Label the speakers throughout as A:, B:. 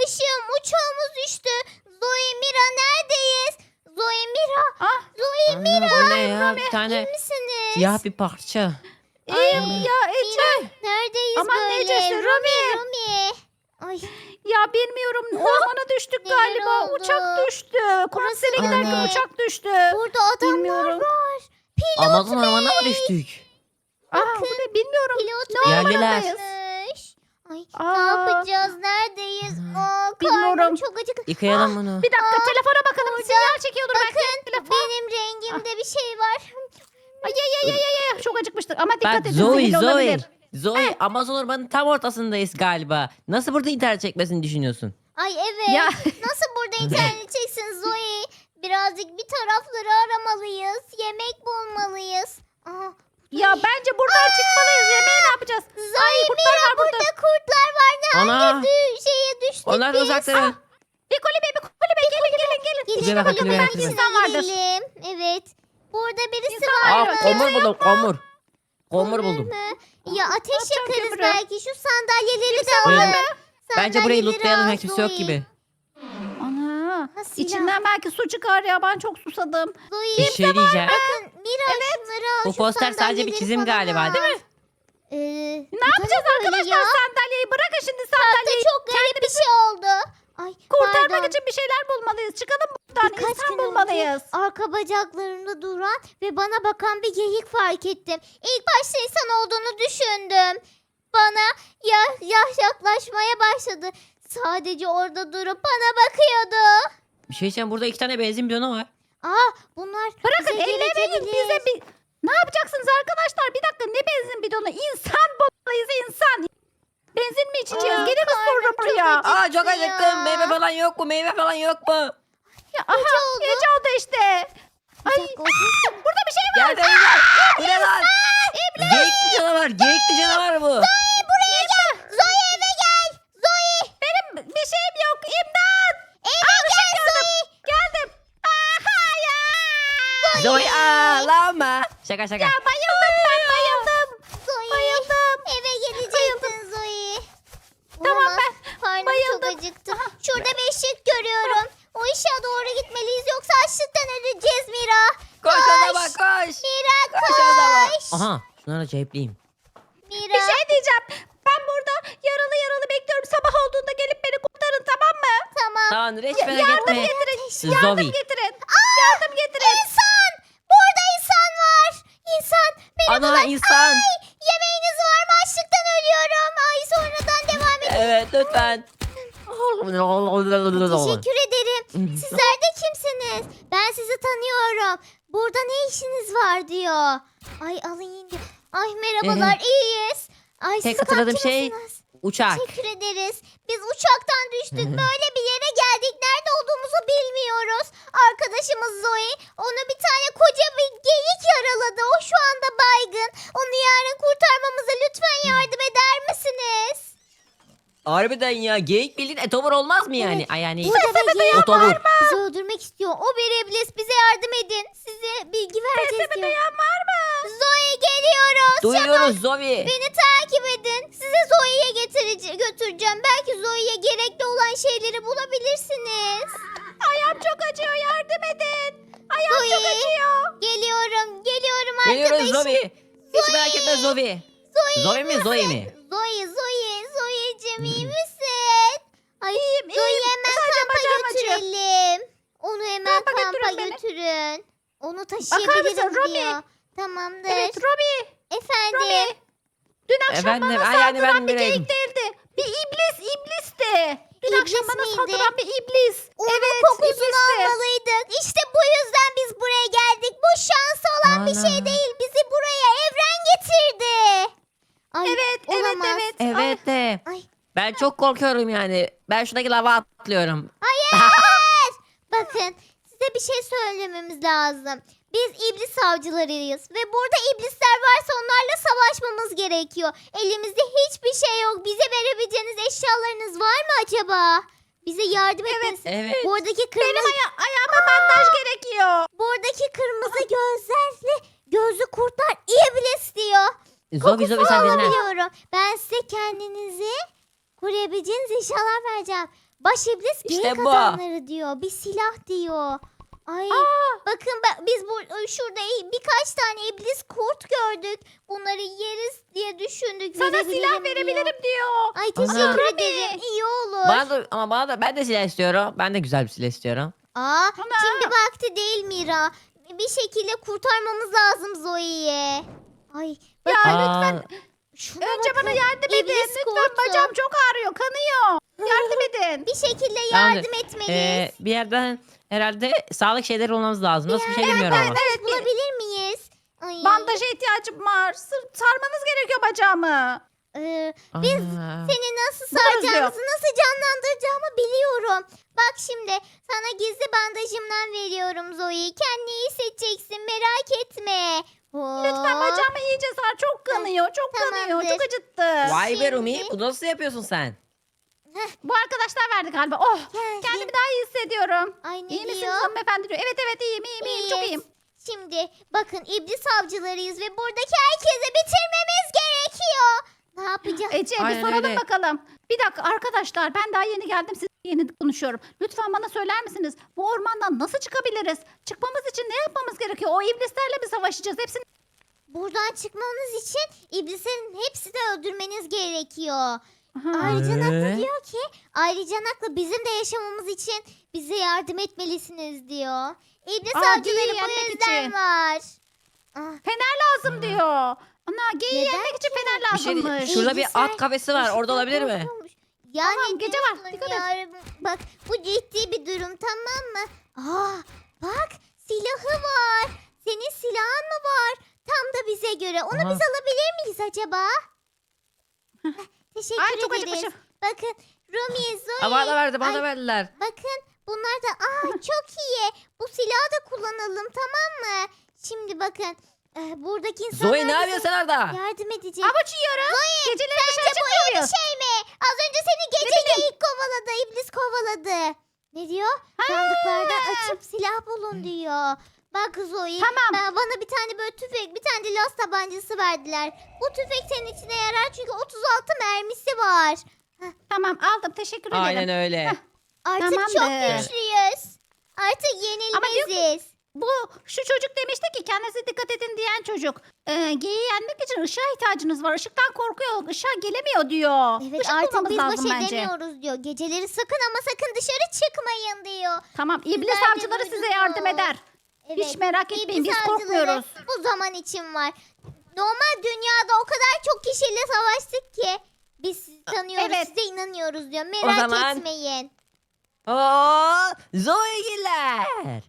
A: Işığım, uçağımız düştü. Zoe, Mira neredeyiz? Zoe, Mira.
B: Ah,
A: Zoe, Mira.
C: Bu ne ya? Bir
A: İyi
C: tane
A: misiniz?
C: siyah bir parça.
B: iyiyim
C: Ay.
B: ya Ece.
A: Neredeyiz
B: Aman
A: böyle?
B: Ecesi,
A: Rumi. Ay,
B: Ya bilmiyorum ormana düştük
A: Neler
B: galiba.
A: oldu?
B: Uçak düştü. Konsere
A: Burası
B: giderken
C: ne?
B: uçak düştü.
A: burada adamlar
B: Bilmiyorum.
A: var.
C: Amazon ormanına mı düştük?
B: Bu ne bilmiyorum.
A: Pilot
B: Ne
C: Yerliler.
B: ormanındayız?
A: varmış. Ay, ne
B: Aa,
A: yapacağız? Neredeyiz? Karnım
B: Bilmiyorum.
A: çok acıktı.
C: Yıkayalım bunu.
B: Bir dakika telefona bakalım.
A: burada.
B: Sinyal çekiyordur belki.
A: Bakın,
B: Telefon.
A: benim rengimde bir şey var.
B: Ay. Çok acıkmıştık ama dikkat
C: Bak
B: edin.
C: Zoe,
B: zehirli
C: Zoe.
B: olabilir.
C: Zoe, Amazon ormanının tam ortasındayız galiba. Nasıl burada internet çekmesini düşünüyorsun?
A: Ay evet.
B: Ya.
A: Nasıl burada internet çeksin Zoe? Birazcık bir tarafları aramalıyız. Yemek bulmalıyız. Aha,
B: Ya bence buradan çıkmalıyız. Yemeği ne yapacağız?
A: Zoe,
B: kurtlar
A: Mira,
B: var burada.
A: burada kurtlar var. Ne
C: Ana.
A: hangi şeye düştük
C: Onlar da
A: biz?
C: uzaklara.
B: Bir kulübe. Gelin.
A: Gelin
C: Kulübe bak, kulübe bak,
A: kulübenin
C: kulübe.
A: içine
B: İnsan vardır.
A: girelim. Evet. Burada birisi
B: İnsan
A: var
B: vardır.
A: mı?
C: Komur buldum, komur. Komur
A: Kömür
C: buldum.
A: mü? Ya ateş
B: Atacağım
A: yakarız
B: kömürü.
A: belki. Şu sandalyeleri de
C: Buyurun.
A: alın.
C: Bence burayı
A: Sandalyeleri
C: lootlayalım.
A: al
C: Kimse yok
A: Zoe.
C: gibi.
B: Ana.
A: Ha, silah.
B: İçinden belki su çıkar ya. Ben çok susadım.
A: Zoe,
C: Bir şey diyeceğim.
A: bakın Mira şunları al.
C: Bu
A: şu
C: poster sadece bir
A: sandalyeleri
C: çizim
A: falan
C: galiba,
A: al.
C: değil mi?
B: Ne yapacağız arkadaşlar sandalyeyi? Bırakın şimdi sandalyeyi.
A: Çok garip bir şey oldu. Ay,
B: Kurtarmak
A: pardon.
B: için bir şeyler bulmalıyız. Çıkalım buradan.
A: Birkaç
B: İnsan
A: gün
B: bulmalıyız.
A: önce arka bacaklarında duran ve bana bakan bir geyik fark ettim. İlk başta insan olduğunu düşündüm. Bana yaklaşmaya başladı. Sadece orada durup bana bakıyordu.
C: Bir şey diyeceğim. Burada 2 tane benzin bidonu var.
A: Bunlar
B: Bırakın
A: bize
B: ellemeyin
A: gelebilir.
B: bize bir... Ne yapacaksınız arkadaşlar? Bir dakika ne benzin bidonu? İnsan bulmalıyız insan. Benzin mi içeceğiz?
A: Aa,
B: Gelin sonra
A: karnım çok
B: buraya.
A: acıktı.
C: Aa, çok
A: ya.
C: acıktım. Meyve falan yok mu? Meyve falan yok mu?
B: Ya, aha,
A: oldu.
B: gece oldu işte.
A: Bir
B: Ay,
A: dakika, o ses ne?
B: burada bir şey var.
C: Gel beyler. Bu ne lan? Geyikli canavar. Geyikli canavar bu.
A: Buraya gel. Zoe eve gel. Zoe.
B: Benim bir şeyim yok. İmdat.
A: Eve gel Zoe.
B: Geldim. Aha ya.
C: Zoe ağlama. Şaka şaka.
B: Ya bayıldım ben bayıldım.
A: Zoe.
B: Bayıldım.
A: Eve gelecektin Zoe.
B: Tamam,
A: Olamaz.
B: ben
A: Karnım
B: bayıldım.
A: çok acıktı. Şurada bir ışık görüyorum. O ışığa doğru gitmeliyiz yoksa açlıktan öleceğiz Mira.
C: Koş o zaman koş.
A: Mira
C: Koş o zaman.
A: koş.
C: Aha. Şunları cepleyeyim.
A: Mira.
B: Bir şey diyeceğim. Ben burada yaralı bekliyorum. Sabah olduğunda gelip beni kurtarın tamam mı?
A: Tamam.
C: Tamamdır. Hiç merak
B: Yardım
C: etme.
B: getirin.
C: Zoe.
B: Yardım getirin. Yardım getirin.
A: İnsan. Burada insan var. İnsan. Merhabalar.
C: Ana insan.
A: Ay, yemeğiniz var mı? Açlıktan ölüyorum. Ay sonradan devam edin.
C: Evet lütfen.
A: Teşekkür ederim. Sizler de kimsiniz? Ben sizi tanıyorum. Burada ne işiniz var diyor. Ay alın diyor. Ay merhabalar iyiyiz. Ay
C: Tek
A: siz
C: hatırladığım
A: kaçtınız
C: şey
A: mısınız?
C: uçak.
A: Teşekkür ederiz. Biz uçaktan düştük. Böyle bir yere geldik. Nerede olduğumuzu bilmiyoruz. Arkadaşımız Zoe. Onu bir tane koca bir geyik yaraladı. O şu anda baygın. Onu yarın kurtarmamıza lütfen yardım eder misiniz?
C: Harbiden ya. Geyik bildiğin etobur olmaz mı yani? Ay yani.
A: Burada bir geyik
C: Otobur.
A: bizi öldürmek istiyor. O bir iblis. Bize yardım edin. Size bilgi vereceğiz diyor.
B: Duyan var mı?
A: Zoe geliyoruz.
C: Duyuyoruz Zoe.
A: Beni takip edin. Size Zoe'ye götüreceğim. Belki Zoe'ye gerekli olan şeyleri bulabilirsiniz.
B: Ayağım çok acıyor. Yardım edin. Ayağım çok
A: Zoe.
B: acıyor.
A: Geliyorum
C: Geliyoruz
A: arkadaşım.
C: Zoe. Hiç merak etme Zoe. Zoe mi Zoe mi?
A: Zoe'cim iyi misin? Ay, Zoe'yi hemen
B: Sadece
A: kampa
B: bacağım acıyor.
A: götürelim. Onu hemen
B: Kampa
A: kampa
B: götürün beni.
A: götürün. Onu
B: Bakar
A: taşıyabilirim
B: mısın Robi?
A: diyor. Tamamdır.
B: Evet Robi.
A: Efendim.
B: Robi. Dün akşam
C: Efendim,
B: bana
C: ay yani
B: saldıran
C: ben
B: bir
C: bileyim.
B: geyik değildi. Bir iblisti. Dün
A: İblis
B: akşam bana
A: miydi?
B: saldıran bir iblis.
A: Onun
B: Evet
A: kokusunu
B: iblisti.
A: almalıydık. İşte bu yüzden biz buraya geldik. Bu şansı olan bir şey
C: Ana.
A: değil. Bizi buraya evren getirdi. Ay,
B: Evet,
A: olamaz.
B: evet.
C: Evet de.
A: Ay.
C: Ben çok korkuyorum yani. Ben şuradaki lava atlıyorum.
A: Hayır. Bakın size bir şey söylememiz lazım. Biz iblis avcılarıyız ve burada iblisler varsa onlarla savaşmamız gerekiyor. Elimizde hiçbir şey yok. Bize verebileceğiniz eşyalarınız var mı acaba? Bize yardım etmeniz.
C: Evet.
A: Buradaki
B: Benim
A: kırmızı
B: ayağıma bandaj gerekiyor.
A: buradaki kırmızı gözlerle gözlü kurtlar iblis diyor.
C: Zoe sen dinle.
A: Alabiliyorum. Ben size kendinizi koruyabileceğiniz eşyalar vereceğim. Baş iblis geyik
C: İşte bu.
A: adamları diyor. Bir silah diyor. Ay bakın biz şurada birkaç tane iblis kurt gördük. Bunları yeriz diye düşündük.
B: Sana silah
A: verebilirim diyor.
B: verebilirim diyor.
A: Ay teşekkür
C: Ana.
A: ederim. İyi olur.
C: Bana da ben de silah istiyorum. Ben de güzel bir silah istiyorum.
A: Aa,
B: Ana.
A: şimdi vakti değil Mira. Bir şekilde kurtarmamız lazım Zoe'yi. Ay
B: Ya
A: bakın
B: lütfen
A: şuna
B: önce
A: bakın.
B: bana yardım edin.
A: İblis
B: Lütfen
A: kurtu.
B: bacağım çok ağrıyor. Kanıyor. Yardım edin.
A: Bir şekilde
C: Tamamdır.
A: yardım etmeliyiz.
C: Bir yerden herhalde sağlık şeyleri bulmamız lazım. Nasıl bir şey bilmiyorum ama.
A: Evet, bulabilir miyiz? Ay.
B: Bandaja ihtiyacım var. Sarmanız gerekiyor bacağımı.
A: Biz
C: Aa.
A: seni nasıl
B: Buluruz
A: saracağımızı, nasıl canlandıracağımı biliyorum. Bak şimdi sana gizli bandajımdan veriyorum Zoe. Kendini iyi hissedeceksin, merak etme.
B: Lütfen bacağımı iyice sar. Çok kanıyor. Çok kanıyor.
A: Tamamdır.
B: Çok acıttı.
C: Vay be Rumi,
A: Şimdi-
C: bunu nasıl yapıyorsun sen?
B: Bu arkadaşlar verdi galiba. Oh.
A: Gel,
B: Kendimi daha iyi hissediyorum.
A: Ay ne
B: İyi misiniz
A: diyor?
B: hanımefendi diyor. Evet iyiyim. Çok iyiyim.
A: Şimdi bakın iblis avcılarıyız ve buradaki herkese bitirmemiz gerekiyor. Ne yapacağız?
B: Ece bir
C: Aynen
B: soralım
C: öyle.
B: bakalım. Bir dakika arkadaşlar ben daha yeni geldim siz yeni konuşuyorum. Lütfen bana söyler misiniz? Bu ormandan nasıl çıkabiliriz? Çıkmamız için ne yapmamız gerekiyor? O iblislerle mi savaşacağız? Hepsini
A: Buradan çıkmamız için iblislerin hepsini öldürmeniz gerekiyor.
B: Aha.
A: Ayrıca Naklı diyor ki ayrıca Naklı bizim de yaşamamız için bize yardım etmelisiniz diyor. İblis
B: Aa,
A: avcıları
B: geyiği
A: bu
B: yenmek
A: yüzden
B: için.
A: var. Ah,
B: Fener lazım diyor. Ana geyiği
A: Neden
B: yenmek için
A: ki?
B: fener
C: Bir şey
B: lazımmış.
C: değil. Şurada bir
A: İblisler
C: at kafesi var. Orada
A: ışıktan
C: olabilir mi?
A: korkuyormuş. Yani
B: Tamam, gece var.
A: diyorsun
B: Dikkat et.
A: ya, bak bu ciddi bir durum, tamam mı? Aa, bak silahı var. Senin silahın mı var? Tam da bize göre. Onu
C: Aha.
A: biz alabilir miyiz acaba? Heh, Teşekkür
B: Ay çok
A: ederiz.
B: acıkmışım.
A: Bakın Rumi, Zoe.
C: Aa, bana verdi, bana
A: Ay,
C: verdiler.
A: bakın bunlar da çok iyi. Bu silahı da kullanalım, tamam mı? Şimdi bakın buradaki insanlar
C: Zoe ne
A: bize
C: yapıyorsun sen orada?
A: yardım edecek.
B: Avuç yiyorum. Geceleri dışarı
A: Sence bu iyi
B: çıkmıyor
A: bir
B: muyuz?
A: şey mi? Az önce seni gece geyik kovaladı, iblis kovaladı. Ne diyor? Sandıklardan açıp silah bulun diyor. Bak Zoe,
B: Tamam.
A: bana bir tane böyle tüfek, bir tane de las tabancası verdiler. Bu tüfek senin içine yarar çünkü 36 mermisi var.
B: Tamam aldım teşekkür ederim.
C: Aynen öyle.
A: Artık çok
B: Tamamdır.
A: güçlüyüz. Artık yenilmeziz.
B: Bu şu çocuk demişti ki kendinize dikkat edin diyen çocuk. Geyiği yenmek için ışığa ihtiyacınız var. Işıktan korkuyor. Işığa gelemiyor diyor.
A: Evet
B: Işık
A: artık
B: bulmamız
A: biz
B: lazım
A: baş
B: bence.
A: edemiyoruz diyor. Geceleri sakın ama sakın dışarı çıkmayın diyor.
B: Tamam iblis
A: Sizler de
B: avcıları size
A: duydunuz.
B: yardım eder.
A: Evet.
B: Hiç merak etmeyin
A: İblis
B: biz
A: avcıları
B: korkmuyoruz.
A: bu zaman için var. Normal dünyada o kadar çok kişiyle savaştık ki biz sizi tanıyoruz,
B: Evet.
A: size inanıyoruz diyor. Merak
C: zaman-
A: etmeyin.
C: Oo, Zoe'giler.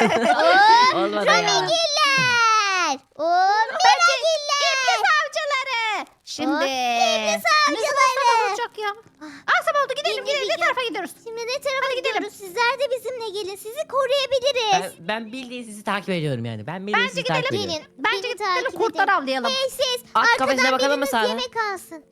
A: Oo,
C: Olmadı ya.
A: Romigiller. Oo, Miragiller.
B: İblis avcıları. Şimdi.
A: İblis
B: Ne zaman
A: avcıları.
B: sabah olacak ya? Akşam oldu gidelim
A: Gidelim.
B: Ne tarafa gidiyoruz?
A: Şimdi ne tarafa
B: Hadi gidelim.
A: gidiyoruz? Sizler de bizimle gelin. Sizi koruyabiliriz.
C: Ben bildiğin sizi takip ediyorum yani. Ben bildiğin
B: Bence
C: sizi takip
B: gidelim.
C: ediyorum.
A: Gelin.
B: Bence
A: beni
B: gidelim
A: takip
B: kurtlar
A: edin.
B: avlayalım.
A: Hey siz.
C: At kafesine
A: arkadan
C: bakalım mı
A: biriniz
C: Sara?
A: yemek alsın.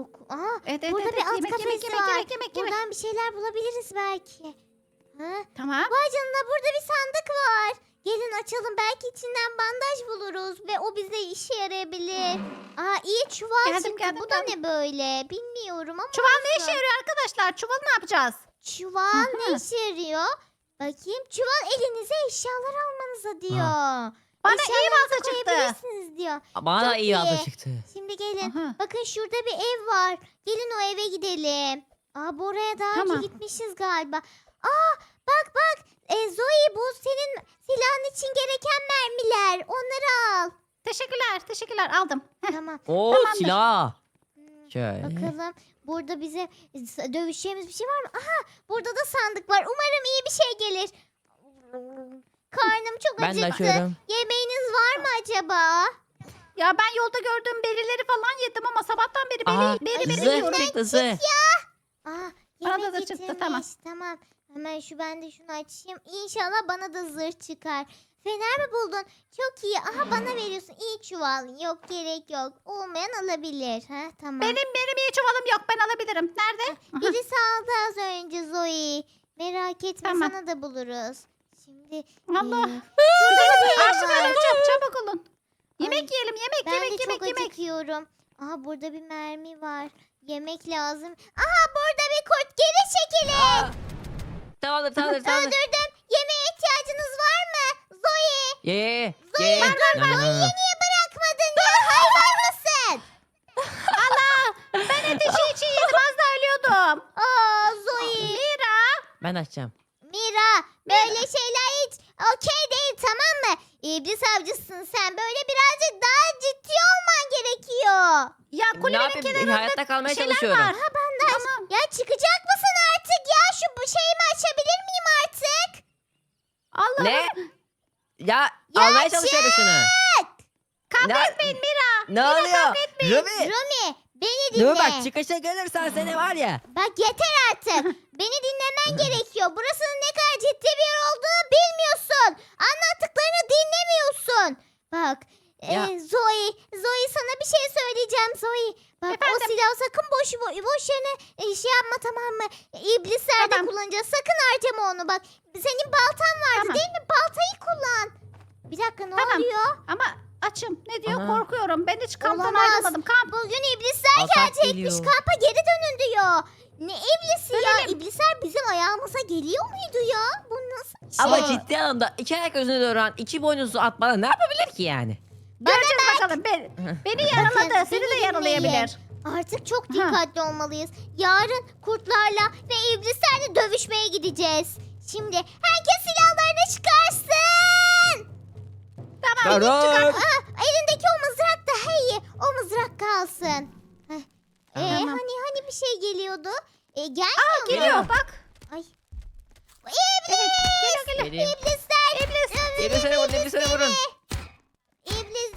B: Evet,
A: Burada
B: evet,
A: bir at
B: yemek,
A: kafesi
B: yemek,
A: var.
B: yemek.
A: Buradan bir şeyler bulabiliriz belki. Ha?
B: Tamam.
A: Vay canına, burada bir sandık var. Gelin açalım, belki içinden bandaj buluruz ve o bize işe yarayabilir. iyi çuval
B: Geldim,
A: çıktı.
B: geldim,
A: Bu da
B: geldim.
A: ne böyle bilmiyorum ama.
B: Çuval ne
A: olsun.
B: işe yarıyor arkadaşlar? Çuval ne yapacağız?
A: Çuval ne
B: Aha.
A: işe yarıyor? Bakayım, çuval elinize eşyalar almanıza diyor.
B: Bana iyi
A: Eşyalarınızı
B: balta çıktı.
A: koyabilirsiniz diyor.
C: Bana da
A: Çok
C: iyi
A: iyi.
C: alta çıktı.
A: Şimdi gelin.
B: Aha.
A: Bakın şurada bir ev var. Gelin o eve gidelim. Bu oraya daha
B: Tamam.
A: önce gitmişiz galiba. Bak. Zoe, bu senin silahın için gereken mermiler. Onları al.
B: Teşekkürler aldım.
A: Tamam.
C: Oo,
B: Tamamdır.
C: silah.
A: Hmm,
C: Şöyle.
A: Bakalım. Burada bize dövüşeceğimiz bir şey var mı? Aha, burada da sandık var. Umarım iyi bir şey gelir. Karnım çok
C: Ben de
A: acıktı.
C: açıyorum.
A: Yemeğiniz var mı acaba?
B: Ya ben yolda gördüğüm berileri falan yedim ama sabahtan beri
C: Aha,
B: beri
C: zırh
B: yiyorum.
C: çıktı zırh.
A: Yemek
B: Bana da çıktı,
A: getirmiş.
B: tamam.
A: Hemen ben de şunu açayım. İnşallah bana da zırh çıkar. Fener mi buldun? Çok iyi. Aha, bana veriyorsun. İyi çuval. Yok, gerek yok. Olmayan alabilir. Tamam.
B: Benim iyi çuvalım yok ben alabilirim. Nerede? Aha.
A: Birisi aldı az önce Zoe. Merak etme,
B: Tamam.
A: sana da buluruz. Şimdi
B: Allah.
A: şurada bir ev
B: Açlık
A: var.
B: öleceğim çabuk olun. Yemek yiyelim
A: Ben de
B: yemek
A: çok
B: yemek.
A: acıkıyorum. Burada bir mermi var. Yemek lazım. Aha, burada bir kurt. Geri çekilin.
C: saldır.
A: Öldürdüm. Yemeğe ihtiyacınız var mı? Zoe.
C: Ye.
A: Zoe'yi niye bırakmadın ya? Hayvan mısın?
B: Allah! Ben ateşi için yedim. Az da ölüyordum.
A: Aa Zoe.
B: Mira!
C: Ben açacağım.
A: Mira böyle şeyler hiç okey değil, tamam mı? İblis avcısın sen. Böyle birazcık daha ciddi olman gerekiyor.
B: Ya
C: Ne
B: kulenin
C: yapayım?
B: kenarında
C: Hayatta kalmaya
B: şeyler
C: çalışıyorum.
B: var.
A: Ha bandaj.
B: Tamam.
A: Ya çıkacak mısın artık ya? Şu bu şeyimi açabilir miyim artık?
B: Allah
C: Ne? Ya
A: Ya
C: almaya çalışıyorum şunu.
B: Kavga
C: Ne-
B: etmeyin Mira.
C: Ne oluyor? Ruby.
A: Rumi beni dinle.
C: Dur bak çıkışa gelirsen seni var ya.
A: Bak yeter artık. Beni dinlemen gerekiyor. Burasının ne kadar ciddi bir yer olduğunu bilmiyorsun. Anlattıklarını dinlemiyorsun. Bak
C: Ya.
A: Zoe sana bir şey söyleyeceğim Zoe. Bak
B: Efendim?
A: o silahı sakın boş yerine şey yapma, tamam mı? İblislerde
B: Tamam.
A: kullanacağız. Sakın harcama onu bak. Senin baltan vardı
B: Tamam.
A: değil mi? Baltayı kullan. Bir dakika ne
B: Tamam.
A: oluyor?
B: Ama açım. Ne diyor?
C: Aha.
B: Korkuyorum. Ben hiç kamptan
A: Olamaz.
B: ayrılmadım. Kamp.
A: Bugün iblisler
C: Atak
A: gelecekmiş.
C: geliyor.
A: Kampa geri dönün diyor. Ne iblisi ya?
B: Dönelim.
A: İblisler bizim ayağımıza geliyor muydu ya? Bu nasıl bir şey?
C: Ama ciddi anlamda iki ayak üzerine duran iki boynuzlu at bana ne yapabilir ki yani?
B: Göreceğiz bakalım. Beni yaraladı.
A: Bakın,
B: Seni de
A: beni
B: yaralayabilir.
A: dinleyin. Artık çok dikkatli olmalıyız. Yarın kurtlarla ve iblislerle dövüşmeye gideceğiz. Şimdi herkes silahlarını çıkarsın.
B: Tamam.
C: Karol.
A: Elindeki o mızrak daha iyi. O mızrak kalsın. Heh.
B: Tamam.
A: Hani bir şey geliyordu? Gelmiyor
B: Aa
A: mu?
B: geliyor bak.
A: Ay.
B: Evet. Geliyor.
C: Geleyim.
A: İblisler.
B: İblis.
C: İblis'e vurun, İblis'e vurun.
A: İblis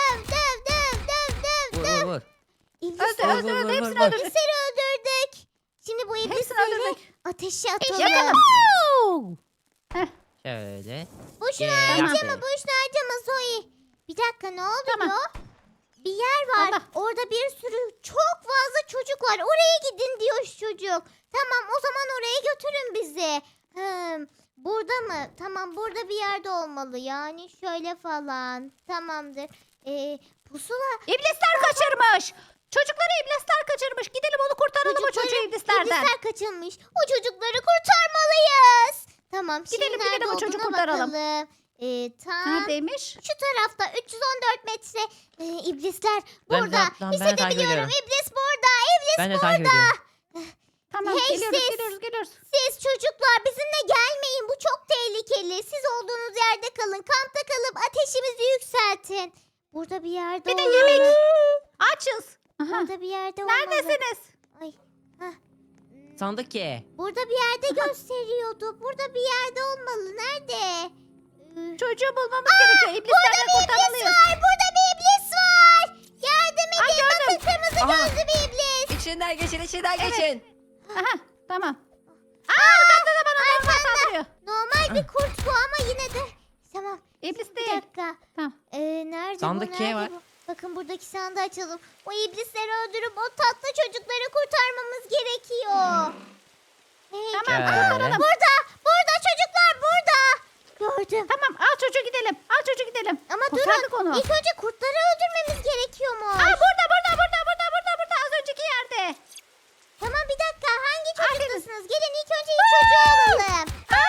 A: döv.
C: Vur.
A: İblisleri
B: Öldü
C: Vur, vur,
B: öldü.
C: vur,
B: Hepsini
C: vur.
B: öldürdük.
A: öldürdük. Şimdi bu
B: Hepsini
A: iblisleri
B: öldürdük.
A: ateşe
B: İşte
A: atalım.
B: bu.
C: Şöyle.
A: Boşuna
C: Gel.
A: harcama, boşuna harcama Zoe. Bir dakika ne oluyor?
B: Tamam.
A: Bir yer var.
B: Allah.
A: Orada bir sürü çok fazla çocuk var. Oraya gidin diyor şu çocuk. Tamam o zaman oraya götürün bizi. Burada mı? Tamam burada bir yerde olmalı. Yani şöyle falan. Tamamdır. Pusula.
B: İblisler kaçırmış. Çocukları iblisler kaçırmış. Gidelim onu kurtaralım o çocuğu iblislerden.
A: İblisler kaçılmış. O çocukları kurtarmalıyız. Tamam şimdi
B: Gidelim,
A: nerede
B: gidelim o çocuğu
A: olduğuna
B: kurtaralım.
A: bakalım. Tam
B: Neredeymiş?
A: şu tarafta 314 metre iblisler
C: Ben
A: burada.
C: de- tamam, ben de takip
A: Hissedebiliyorum.
C: ediyorum.
A: İblis burada. İblis
C: Ben de
A: burada.
C: takip ediyorum.
B: Tamam
A: Hey,
B: geliyoruz
A: siz.
B: geliyoruz.
A: Siz çocuklar bizimle gelmeyin. Bu çok tehlikeli. Siz olduğunuz yerde kalın. Kampta kalıp ateşimizi yükseltin. Burada bir yerde
B: Bir de
A: olmalı.
B: yemek. Açız. Aha.
A: Burada bir yerde olmalı.
B: Neredesiniz?
A: Ay.
C: Sandık ki.
A: Burada bir yerde gösteriyordu. Burada bir yerde olmalı. Nerede?
B: Çocuğu bulmamız gerekiyor. İblislerden kurtarmalıyız.
A: Burada bir iblis var. Yardım
B: Ay,
A: edin.
B: gördüm.
A: Bakın kırmızı
C: Aha.
A: gözlü bir iblis.
C: İçinden geçin.
B: Evet. Aha tamam. Aa arkamda da bana normal saldırıyor.
A: Normal bir kurt bu ama yine de. Tamam.
B: İblis
A: Bir
B: değil.
A: dakika.
B: Tamam.
A: Nerede
C: Sandık
A: bu?
C: K
A: Nerede
C: var.
A: bu? Bakın buradaki sandığı açalım. O iblisleri öldürüp o tatlı çocukları kurtarmamız gerekiyor. Hey,
B: Tamam
C: Şöyle.
B: kurtaralım.
A: Burada çocuklar burada. Gördüm.
B: Tamam al çocuğu gidelim. Al çocuğu gidelim.
A: Ama
B: Kurtardık
A: durun.
B: onu.
A: İlk önce kurtları öldürmemiz gerekiyormuş.
B: Aa burada az önceki yerde.
A: Tamam bir dakika. Hangi
B: Aferin.
A: çocuktasınız? Gelin ilk önce ilk çocuğu alalım.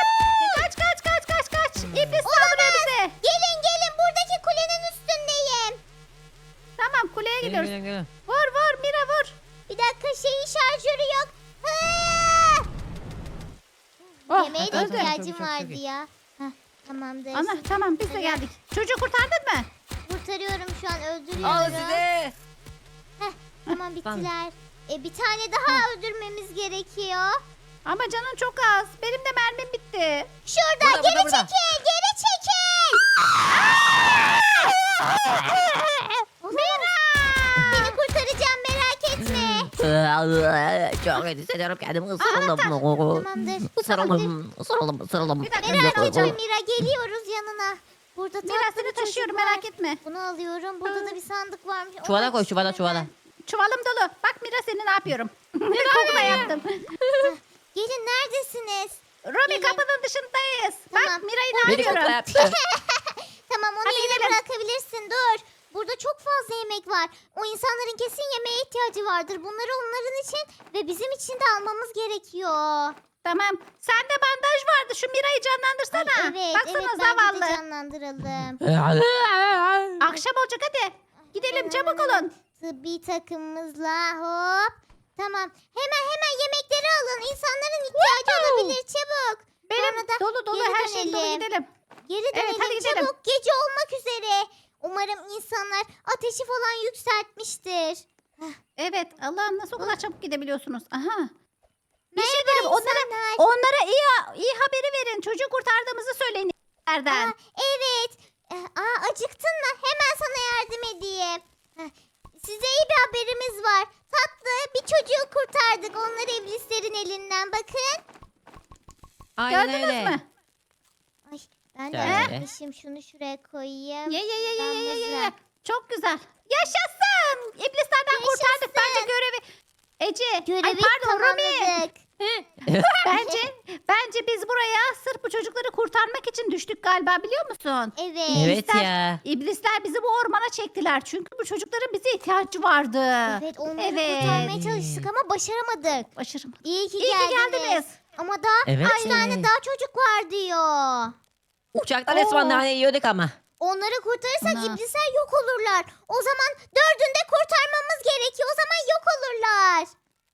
B: Kaç. İblis saldırıyor bize.
A: Gelin buradaki kulenin üstündeyim.
B: Tamam kuleye
C: Gelin,
B: gidiyoruz.
C: gelin.
B: Vur Mira vur.
A: Bir dakika şeyin şarjörü yok. Hı!
B: Oh,
A: Yemeğe de
C: öldü.
A: ihtiyacım
C: Çok iyi.
A: vardı ya. Heh, tamamdır.
B: Ana tamam biz de geldik. Çocuğu kurtardın mı?
A: Kurtarıyorum şu an,
C: Al
A: öldürüyorum.
C: size.
A: Tamam bittiler. Bir tane daha öldürmemiz gerekiyor.
B: Ama canın çok az. Benim de mermim bitti.
A: Şurada
C: Burada,
A: geri
C: burada.
A: çekil, geri çekil. Seni kurtaracağım, merak etme.
C: Çok kötü hissediyorum kendimi
A: Tamamdır.
C: ısırıldım.
B: Bir dakika,
A: Merak
B: Dur,
A: etme
B: dur.
A: Mira, geliyoruz yanına. Burada
B: Mira
A: tatlı
B: seni
A: bir
B: taşıyorum
A: çocuk var.
B: merak etme.
A: Bunu alıyorum. Burada da bir sandık varmış. Onu
C: Çuvala koy,
A: açayım
C: çuvala.
A: hemen.
B: Çuvalım dolu. Bak Mira seni ne yapıyorum. Kokla yaptım.
A: Gelin, neredesiniz?
B: Robi
A: Gelin.
B: kapının dışındayız.
A: Tamam.
B: Bak Mira'yı ne
C: Beni kokla
B: yapıyorum?
C: yaptı.
A: Tamam, onu
B: Hadi
A: yine
B: gidelim.
A: bırakabilirsin. Dur. Burada çok fazla yemek var. O insanların kesin yemeğe ihtiyacı vardır. Bunları onların için ve bizim için de almamız gerekiyor.
B: Tamam. Sende bandaj var hadi şu Mira'yı canlandırsana.
A: Evet,
B: Baksana
A: evet bence de
B: zavallı.
A: canlandıralım.
B: Akşam olacak hadi. Gidelim çabuk olun.
A: Tıbbi takımımızla hop. Tamam. Hemen yemekleri alın. İnsanların ihtiyacı olabilir çabuk.
B: Benim
A: Sonra da
B: dolu dolu
A: geri
B: her şey dolu
A: dönelim.
B: gidelim.
A: Geri
B: Evet,
A: dönelim
B: hadi gidelim.
A: çabuk. Gece olmak üzere. Umarım insanlar ateşi falan yükseltmiştir.
B: Evet Allah'ım nasıl o kadar çabuk gidebiliyorsunuz. Aha. Bir
A: Merhaba
B: şey diyelim
A: insanlar.
B: onlara iyi haberi verin. Çocuğu kurtardığımızı söyleyin. Nereden?
A: Evet. Acıktın mı? Hemen sana yardım edeyim. Size iyi bir haberimiz var. Tatlı bir çocuğu kurtardık. Onları iblislerin elinden. Bakın.
C: Aynen
B: Gördünüz
C: öyle.
B: mü?
A: Ay, ben de
C: Şöyle.
A: acıkmışım. Şunu şuraya koyayım.
B: Ye. Çok güzel. Yaşasın. İblislerden kurtardık bence görevi. Ece.
A: Görevi
B: Ay pardon Rumi.
A: tamamladık.
B: Bence biz buraya sırf bu çocukları kurtarmak için düştük galiba biliyor musun?
A: Evet.
C: Evet ya.
B: İblisler bizi bu ormana çektiler. Çünkü bu çocukların bize ihtiyacı vardı.
A: Evet onları
B: Evet.
A: kurtarmaya çalıştık ama başaramadık.
B: Başarım.
A: İyi ki
B: İyi ki geldiniz.
A: Ama daha
C: Evet.
A: 3 tane daha çocuk var diyor.
C: Uçaktan resmen
B: Oo.
C: nane yiyorduk ama.
A: Onları kurtarırsak
B: Ana.
A: iblisler yok olurlar. O zaman 4'ünü de kurtarmamız gerekiyor. O zaman yok olurlar.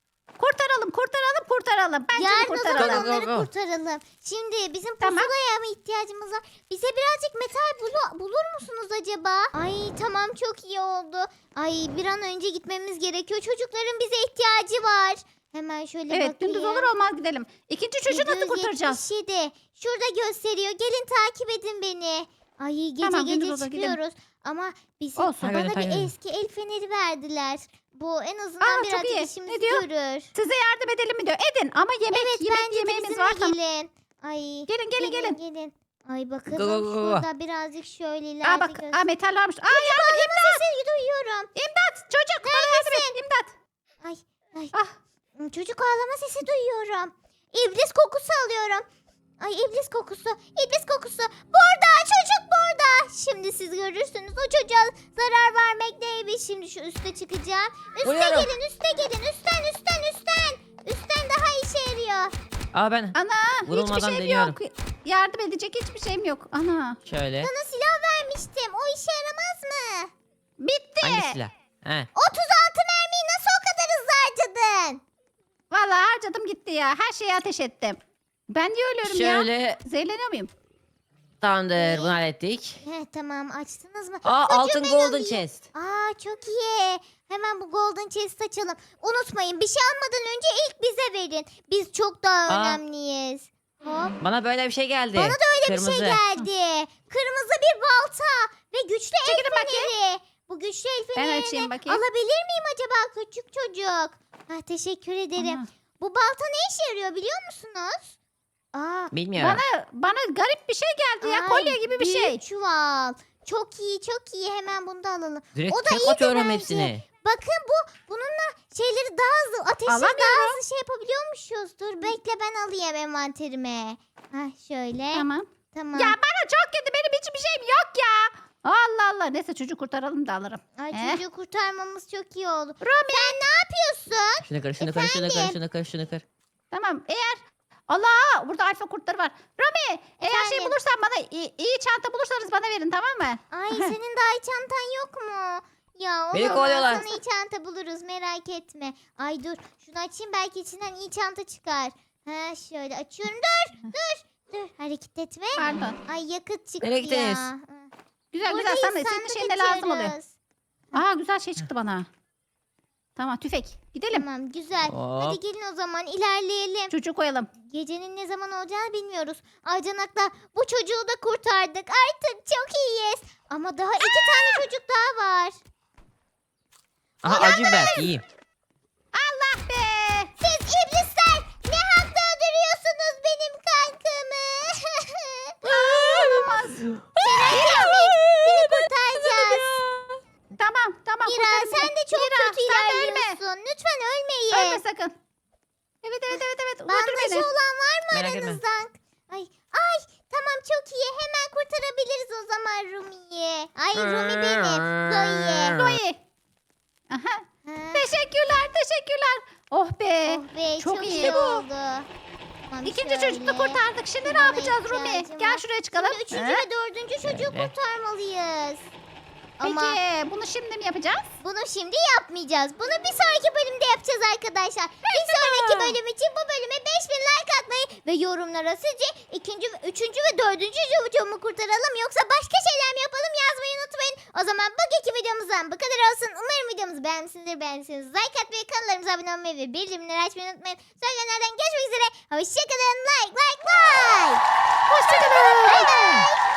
B: Kurtaralım. Bence de
A: Yarın o zaman
B: kurtaralım.
C: Go.
A: onları kurtaralım. Şimdi bizim
B: Tamam.
A: pusulaya mı ihtiyacımız var? Bize birazcık metal bulur musunuz acaba? Ay tamam çok iyi oldu. Ay bir an önce gitmemiz gerekiyor. Çocukların bize ihtiyacı var. Hemen şöyle bakayım.
B: Evet gündüz olur olmaz gidelim. İkinci çocuğu nasıl kurtaracağız?
A: 777. Şurada gösteriyor. Gelin takip edin beni. Ay gece
B: Tamam,
A: gece
B: gündüz olur, gidelim.
A: çıkıyoruz. Ama bize
B: Olsun.
A: bana
C: Takip edin, takip
A: bir
C: edin.
A: eski el feneri verdiler. Bu en azından
B: Aa, çok
A: birazcık
B: iyi.
A: işimizi
B: Ne diyor?
A: görür.
B: Size yardım edelim mi diyor. Edin ama
A: Evet bence de
B: yemeğimiz
A: bizimle
B: var. Tamam.
A: gelin. Ay.
B: Gelin.
A: Ay bakalım
C: Go.
A: şurada birazcık şöyle ileride
B: Aa bak metal varmış. Aa yardım
A: sesi duyuyorum.
B: imdat çocuk bana yardım et imdat.
A: Ay
B: Ah
A: çocuk ağlama sesi duyuyorum. İblis kokusu alıyorum. Ay iblis kokusu. İblis kokusu. Burada çocuk burada. Şimdi siz görürsünüz o çocuğa zarar vermek neymiş. Şimdi şu üste çıkacağım. Üste
C: Buyurun.
A: gelin üste gelin. Üstten. Üstten daha işe yarıyor.
C: Aa ben
B: ana hiçbir
C: Vurulmadan
B: şeyim
C: deniyorum.
B: yok. Yardım edecek hiçbir şeyim yok. Ana
C: şöyle.
A: Sana silah vermiştim. O işe yaramaz mı?
B: bitti.
C: Hangi silah? He.
A: 36 mermiyi nasıl o kadar hızlı harcadın?
B: Vallahi harcadım gitti ya. Her şeye ateş ettim. Ben niye ölüyorum ya?
C: Şöyle
B: Zehirleniyor muyum?
C: tamamdır bunu hallettik.
A: Tamam açtınız mı?
C: Aa
A: Çocuğu
C: altın
A: ben
C: golden
A: alayım.
C: chest.
A: Çok iyi. Hemen bu golden chest açalım. Unutmayın bir şey almadan önce ilk bize verin. Biz çok daha
C: Aa.
A: önemliyiz. Hop.
C: Bana böyle bir şey geldi.
A: Bana da öyle
C: Kırmızı.
A: bir şey geldi. Kırmızı bir balta ve güçlü el
B: Çekilin bakayım.
A: feneri. Bu güçlü el
B: Ben
A: fenerini
B: açayım bakayım.
A: alabilir miyim acaba küçük çocuk? Teşekkür ederim.
B: Ana.
A: Bu balta ne işe yarıyor biliyor musunuz?
C: Bilmiyorum.
B: Bana garip bir şey geldi ya.
A: Ay,
B: Kolye gibi bir şey.
A: büyük çuval. Çok iyi. Hemen bunu da alalım.
C: Direkt
A: O da
C: tek
A: iyiydi
C: atıyorum
A: bence.
C: hepsini.
A: Bakın bununla şeyleri daha hızlı, ateşi daha
B: Alamıyorum.
A: hızlı şey yapabiliyormuşuz. Dur bekle ben alayım envanterime. Şöyle.
B: Tamam.
A: Tamam.
B: Ya bana çok kötü. Benim hiçbir şeyim yok ya. Allah. Neyse çocuğu kurtaralım da alırım.
A: Ay
B: Eh.
A: çocuğu kurtarmamız çok iyi oldu.
B: Rumi.
A: Sen ne yapıyorsun?
C: Şunu kır, şunu kır.
B: Tamam eğer Allah burada alfa kurtları var. Rami eğer şey
A: Efendim?
B: bulursan bana iyi çanta bulursanız bana verin tamam mı?
A: Ay senin daha iyi çantan yok mu? Ya o
C: Beni
A: zaman
C: kovalıyorlar.
A: sana iyi çanta buluruz merak etme. Ay dur şunu açayım belki içinden iyi çanta çıkar. Şöyle açıyorum. Dur hareket etme.
B: Pardon.
A: Ay yakıt çıktı
C: Nereye
A: ya.
C: gittiniz?
B: Güzel
A: Buradayız,
B: senin
A: sandık
B: şeyine lazım oluyor.
A: açıyoruz.
B: Aa güzel şey çıktı bana. Tamam tüfek. Gidelim.
A: Tamam güzel.
C: Hop.
A: Hadi gelin o zaman ilerleyelim.
B: Çocuğu koyalım.
A: Gecenin ne zaman olacağını bilmiyoruz. Aycanak'la bu çocuğu da kurtardık. Artık çok iyiyiz. Ama daha 2 tane çocuk daha var.
C: Aha acı biber yiyeyim.
B: Allah be.
A: Siz iblisler ne hakla öldürüyorsunuz benim kankamı?
B: Olamaz.
A: Seni kurtaracağız.
B: Tamam.
A: Mira
B: kurtarın
A: sen
B: beni.
A: de çok
B: Mira,
A: kötü
B: sen de ölme.
A: ilerliyorsun. Lütfen ölmeyin.
B: Ölme sakın. Evet. Götür
A: Bandajı
B: beni.
A: olan var mı
C: Merak etme.
A: aranızdan? Ay tamam çok iyi. Hemen kurtarabiliriz o zaman Rumi'yi. Ay Rumi benim. Zoe.
B: Zoe. Aha.
A: Ha.
B: Teşekkürler. Oh be.
A: Oh be
B: Çok
A: çok,
B: iyi.
A: iyi
B: Bu.
A: oldu. Tamam,
B: İkinci çocuk da
A: şöyle.
B: kurtardık. Şimdi ne
A: Bana
B: yapacağız Rumi?
A: ihtiyacım
B: Gel
A: var.
B: şuraya çıkalım.
A: Şimdi üçüncü
B: He?
A: ve dördüncü çocuğu
C: Şöyle.
A: kurtarmalıyız.
B: Peki
A: Ama
B: bunu şimdi mi yapacağız?
A: bunu şimdi yapmayacağız. Bunu bir sonraki bölümde yapacağız arkadaşlar. Bir sonraki bölüm için bu bölüme 5000 like atmayı ve yorumlara sizce ikinci, üçüncü ve dördüncü çocuğumu kurtaralım yoksa başka şeyler mi yapalım yazmayı unutmayın. O zaman bugünkü videomuzdan bu kadar olsun. Umarım videomuzu beğenmişsinizdir. Beğendiyseniz like atmayı, kanallarımıza abone olmayı ve bildirimleri açmayı unutmayın. Söylenenlerden görüşmek üzere. Hoşçakalın. Like.
B: Hoşçakalın.
A: Bye bye.